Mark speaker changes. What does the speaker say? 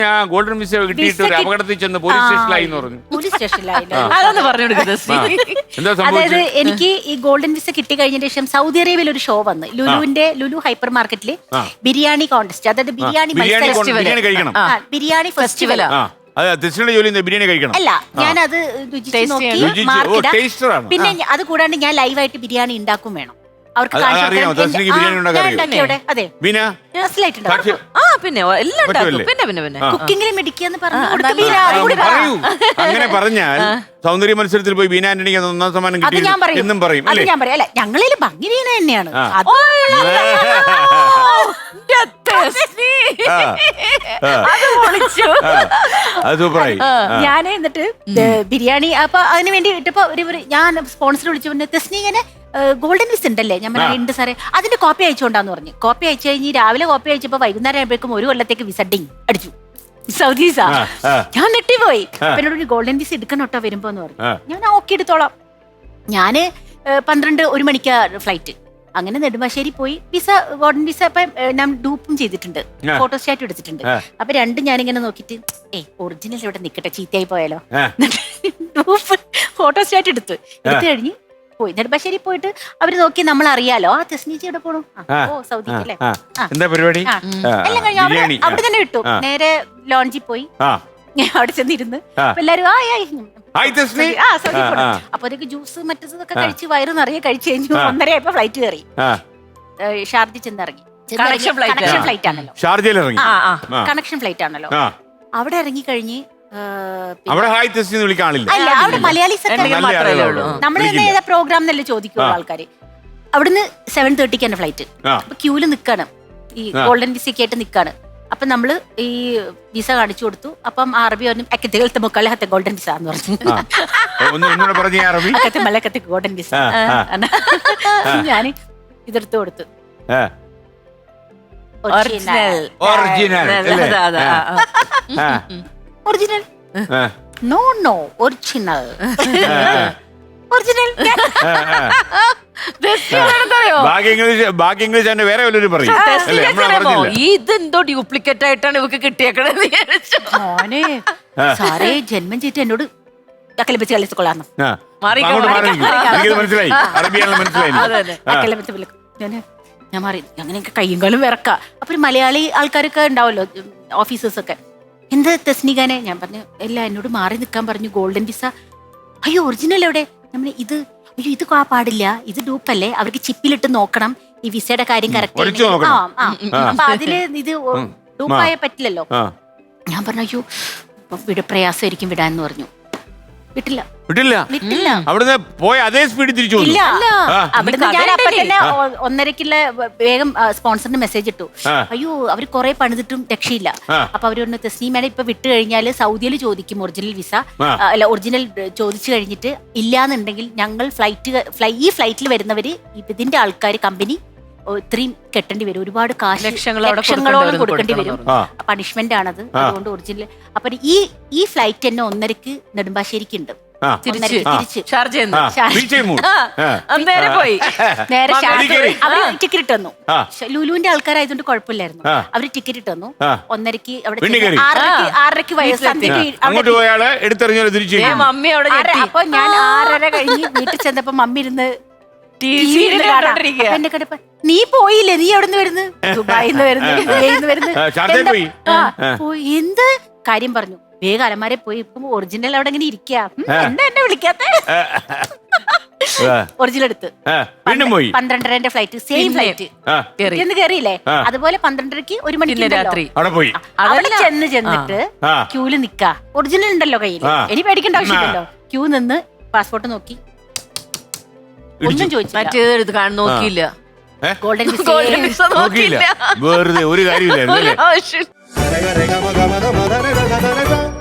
Speaker 1: ഞാൻ golden visa കിട്ടിയിട്ട് ഒരു അപകടത്തിൽ ചെന്ന് പോലീസ് സ്റ്റേഷനിലായി എന്ന് പറഞ്ഞു.
Speaker 2: പോലീസ് സ്റ്റേഷനിലായി.
Speaker 3: അതൊന്ന് പറഞ്ഞു കൊടുക്കുന്നത്.
Speaker 1: എന്താ
Speaker 2: അതായത്
Speaker 1: സംഭവിച്ചത്?
Speaker 2: എനിക്ക് ഈ ഗോൾഡൻ വിസ കിട്ടി കഴിഞ്ഞ ശേഷം സൗദി അറേബ്യയിൽ ഒരു ഷോ വന്ന് ലുലു ഹൈപ്പർ മാർക്കറ്റില് ബിരിയാണി കോൺടെസ്റ്റ്, അതായത് ബിരിയാണി
Speaker 1: ബിരിയാണി കഴിക്കണം.
Speaker 2: ബിരിയാണി ഫെസ്റ്റിവൽ.
Speaker 1: തെസ്റ്റിയുടെ ജോലി ബിരിയാണി കഴിക്കണം.
Speaker 2: അല്ല, ഞാനത് രുചിച്ച് നോക്കി മാർക്കിടാം. പിന്നെ അത് കൂടാണ്ട് ഞാൻ ലൈവായിട്ട് ബിരിയാണി ഉണ്ടാക്കും വേണം. അവർക്ക്
Speaker 1: അതെ പിന്നെ എല്ലാം ഉണ്ടാക്കും.
Speaker 2: കുക്കിങ്ങിൽ മിടിക്കാന്ന്
Speaker 1: പറയൂ. അങ്ങനെ പറഞ്ഞാൽ സൗന്ദര്യ മത്സരത്തിൽ പോയി ബീന ആന്റണിക്ക് 1ാം സമ്മാനം കിട്ടി എന്നും പറയും.
Speaker 2: അത് ഞാൻ പറയാം. അല്ല, ഞങ്ങളിൽ ഭംഗി വീണ തന്നെയാണ്. ഞാൻ എന്നിട്ട് ബിരിയാണി അപ്പൊ അതിന് വേണ്ടി ഇട്ടപ്പോ ഞാൻ സ്പോൺസർ വിളിച്ചു, തെസ്നീകനെ ഗോൾഡൻ വിസ ഉണ്ടല്ലേ? ഞാൻ ഉണ്ട് സാറേ, അതിന്റെ കോപ്പി അയച്ചുകൊണ്ടാന്ന് പറഞ്ഞു. കോപ്പി അയച്ചു കഴിഞ്ഞ് രാവിലെ കോപ്പി അയച്ചപ്പോ വൈകുന്നേരം ആയപ്പോഴേക്കും 1 കൊല്ലത്തേക്ക് വിസ ഡിങ് അടിച്ചു. Saudi visa. ഞാൻ നെട്ടിപ്പോയി. എന്നോട് ഗോൾഡൻ വിസ എടുക്കണോട്ടോ വരുമ്പോന്ന് പറഞ്ഞു. ഞാൻ ഓക്കെ എടുത്തോളാം. ഞാന് 12-1 മണിക്കാ ഫ്ലൈറ്റ്. അങ്ങനെ നെടുമ്പാശ്ശേരി പോയി വിസ ഗോൾഡൻ വിസ ഇപ്പൊ ഞാൻ ഡൂപ്പും ചെയ്തിട്ടുണ്ട്, ഫോട്ടോസ്റ്റാറ്റും എടുത്തിട്ടുണ്ട്. അപ്പൊ രണ്ടും ഞാനിങ്ങനെ നോക്കിട്ട് ഒറിജിനൽ ഇവിടെ നിക്കട്ടെ, ചീത്തയായി പോയാലോ. ഡൂപ്പ് ഫോട്ടോസ്റ്റാറ്റ് എടുത്തു കഴിഞ്ഞ് പോയി നെടുമ്പാശ്ശേരി പോയിട്ട് അവര് നോക്കി, നമ്മൾ അറിയാലോ തെസ്നീച്ചി എവിടെ പോണു, സൗദി അല്ലേ, എല്ലാം കഴിഞ്ഞു അവിടെ തന്നെ വിട്ടു. നേരെ ലോഞ്ചിൽ പോയി അവിടെ ചെന്നിരുന്ന് എല്ലാരും അപ്പോഴത്തേക്ക് ജ്യൂസ് മറ്റേതൊക്കെ കഴിച്ച് വയറ് നിറയെ കഴിച്ചു കഴിഞ്ഞു. 1:30 ആയപ്പോ ഫ്ലൈറ്റ് കയറി ഷാർജ ചെന്നിറങ്ങി. കണക്ഷൻ ഫ്ലൈറ്റ് ആണല്ലോ, കണക്ഷൻ ഫ്ലൈറ്റ് ആണല്ലോ. അവിടെ ഇറങ്ങി കഴിഞ്ഞ് അവിടെ മലയാളീസ് നമ്മള് തന്നെ ഏതാ പ്രോഗ്രാം എന്നല്ലേ ചോദിക്കുള്ളൂ ആൾക്കാര്. അവിടുന്ന് 7:30 തന്നെ ഫ്ലൈറ്റ്. അപ്പൊ ക്യൂല് നിക്കാണ്, ഈ ഗോൾഡൻ വിസയ്ക്ക് ആയിട്ട് നിക്കാണ്. അപ്പൊ നമ്മള് ഈ വിസ കാണിച്ചു കൊടുത്തു. അപ്പം അറബി പറഞ്ഞു അക്കത്തെ മുക്കാലത്തെ ഗോൾഡൻ വിസ എന്ന് പറഞ്ഞു. Golden visa. ഞാൻ ഇതെടുത്ത് കൊടുത്തു. Original no no original original.
Speaker 1: ബാക്കി ഇംഗ്ലീഷ് വേറെ വല്ലവരും പറയും.
Speaker 3: ഇതെന്തോ ഡ്യൂപ്ലിക്കേറ്റ് ആയിട്ടാണ് ഇവക്ക് കിട്ടിയേക്കണത്.
Speaker 2: സാറേ ജന്മം ചെയ്തിട്ട് എന്നോട് വെച്ച് കളിച്ചോളാന്ന്
Speaker 1: മനസ്സിലായി.
Speaker 2: ഞാൻ മാറി. അങ്ങനെയൊക്കെ കയ്യും കാലും വിറക്ക. അപ്പൊ മലയാളി ആൾക്കാരൊക്കെ ഉണ്ടാവല്ലോ, ഓഫീസേഴ്സ് ഒക്കെ. എന്താ തെസ്നികാനെ? ഞാൻ പറഞ്ഞു അല്ല, എന്നോട് മാറി നിൽക്കാൻ പറഞ്ഞു. Golden visa. അയ്യോ ഒറിജിനൽ എവിടെ? നമ്മൾ ഇത് ഇത് പാടില്ല, ഇത് ഡൂപ്പല്ലേ, അവർക്ക് ചിപ്പിലിട്ട് നോക്കണം ഈ വിസയുടെ കാര്യം കറക്റ്റ്. അപ്പൊ അതില് ഇത് ഡൂപ്പായ പറ്റില്ലല്ലോ. ഞാൻ പറഞ്ഞു അയ്യോ പ്രയാസമായിരിക്കും വിടാന്ന് പറഞ്ഞു. വിട്ടില്ല.
Speaker 1: അവിടുന്ന് പോയ അതേ സ്പീഡിൽ തിരിച്ചു.
Speaker 2: അവിടുന്ന് ഞാൻ അപ്പൊ തന്നെ 1:30 വേഗം സ്പോൺസറിന് മെസ്സേജ് ഇട്ടു. അയ്യോ അവര് കുറെ പണിതിട്ടും രക്ഷയില്ല. അപ്പൊ അവരൊന്ന് തെസ്നീമേടെ ഇപ്പൊ വിട്ട് കഴിഞ്ഞാല് സൗദിയിൽ ചോദിക്കും ഒറിജിനൽ വിസ, അല്ല ഒറിജിനൽ ചോദിച്ചു കഴിഞ്ഞിട്ട് ഇല്ലാന്നുണ്ടെങ്കിൽ ഞങ്ങൾ ഈ ഫ്ലൈറ്റിൽ വരുന്നവര് ഇതിന്റെ ആൾക്കാർ കമ്പനി ഇത്രയും കെട്ടേണ്ടി വരും, ഒരുപാട് കാശ് ലക്ഷങ്ങളോളം കൊടുക്കേണ്ടി വരും. പണിഷ്മെന്റ് ആണത്. അതുകൊണ്ട് ഒറിജിനൽ അപ്പൊ ഈ ഫ്ലൈറ്റ് തന്നെ 1:30 നെടുമ്പാശ്ശേരിക്ക് ഉണ്ട്. ടിക്കറ്റ് തന്നു. ലുലുവിന്റെ ആൾക്കാരായതുകൊണ്ട് കുഴപ്പമില്ലായിരുന്നു. അവര് ടിക്കറ്റ് തന്നു. 1:30 അവിടെ 6:30 അപ്പൊ ഞാൻ 6:30 കഴിഞ്ഞ് വീട്ടിൽ ചെന്നപ്പോ മമ്മി ഇരുന്ന് എന്നെ കണ്ടപ്പോ നീ പോയില്ലേ, നീ എവിടെ നിന്ന് വരുന്നു? ദുബായിന്ന് വരുന്നു. എന്ത് കാര്യം പറഞ്ഞു. വേഗം അലമാരെ പോയി. ഇപ്പം ഒറിജിനൽ അവിടെ ഇങ്ങനെ ഇരിക്കുക. എന്താ എന്നെ വിളിക്കാത്ത? ഒറിജിനൽ എടുത്ത് 12:30 ഫ്ലൈറ്റ്, സെയിം ഫ്ലൈറ്റ് എന്ന് കയറിയില്ലേ. അതുപോലെ 12:30 1 മണിക്ക് രാത്രി അവിടെ ചെന്നിട്ട് ക്യൂല് നിക്ക. ഒറിജിനൽ ഉണ്ടല്ലോ കയ്യിൽ, ഇനി പേടിക്കേണ്ട ആവശ്യമില്ലല്ലോ. ക്യൂ നിന്ന് പാസ്പോർട്ട് നോക്കി, ഒന്നും ചോദിച്ചില്ല.
Speaker 3: നോക്കിയില്ല.
Speaker 2: ഗോൾഡൻ വിസ
Speaker 1: നോക്കിയില്ല. വെറുതെ ഒരു കാര്യമില്ല.